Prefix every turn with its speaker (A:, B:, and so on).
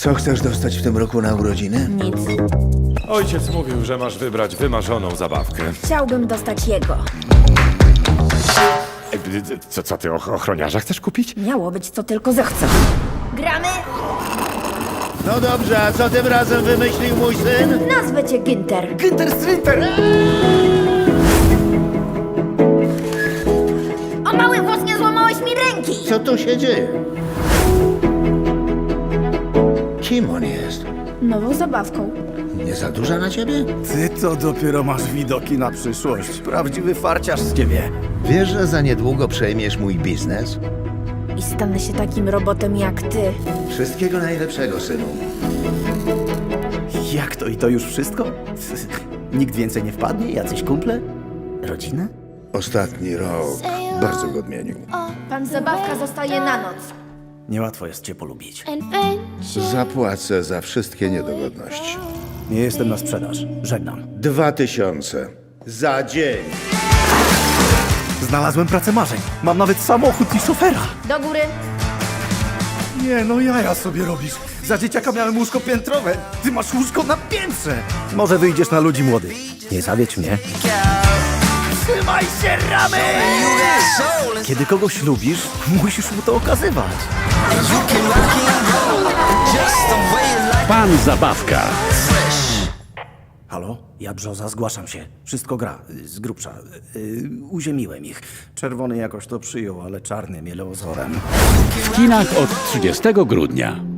A: Co chcesz dostać w tym roku na urodziny?
B: Nic.
C: Ojciec mówił, że masz wybrać wymarzoną zabawkę.
B: Chciałbym dostać jego.
C: Co ty ochroniarza chcesz kupić?
B: Miało być co tylko zechcę. Gramy?
A: No dobrze, a co tym razem wymyślił mój syn?
B: Nazwę cię Ginter.
A: Ginter Strinter!
B: O mały włos, nie złamałeś mi ręki!
A: Co tu się dzieje? Kim on jest?
B: Nową zabawką.
A: Nie za duża na ciebie?
D: Ty to dopiero masz widoki na przyszłość. Prawdziwy farciarz z ciebie.
A: Wiesz, że za niedługo przejmiesz mój biznes?
B: I stanę się takim robotem jak ty.
A: Wszystkiego najlepszego, synu.
D: Jak to i to już wszystko? Nikt więcej nie wpadnie? Jacyś kumple? Rodzina?
A: Ostatni rok bardzo go odmienił.
B: Pan zabawka zostaje na noc.
D: Niełatwo jest cię polubić.
A: Zapłacę za wszystkie niedogodności.
D: Nie jestem na sprzedaż. Żegnam.
A: 2000 za dzień.
D: Znalazłem pracę marzeń. Mam nawet samochód i szofera.
B: Do góry.
D: Nie, no jaja sobie robisz. Za dzieciaka miałem łóżko piętrowe. Ty masz łóżko na piętrze. Może wyjdziesz na ludzi młodych. Nie zawiedź mnie. Trzymaj się, ramy! Kiedy kogoś lubisz, musisz mu to okazywać.
E: Pan Zabawka.
D: Halo? Ja Brzoza, zgłaszam się. Wszystko gra. Z grubsza. Uziemiłem ich. Czerwony jakoś to przyjął, ale czarny miele ozorem.
E: W kinach od 30 grudnia.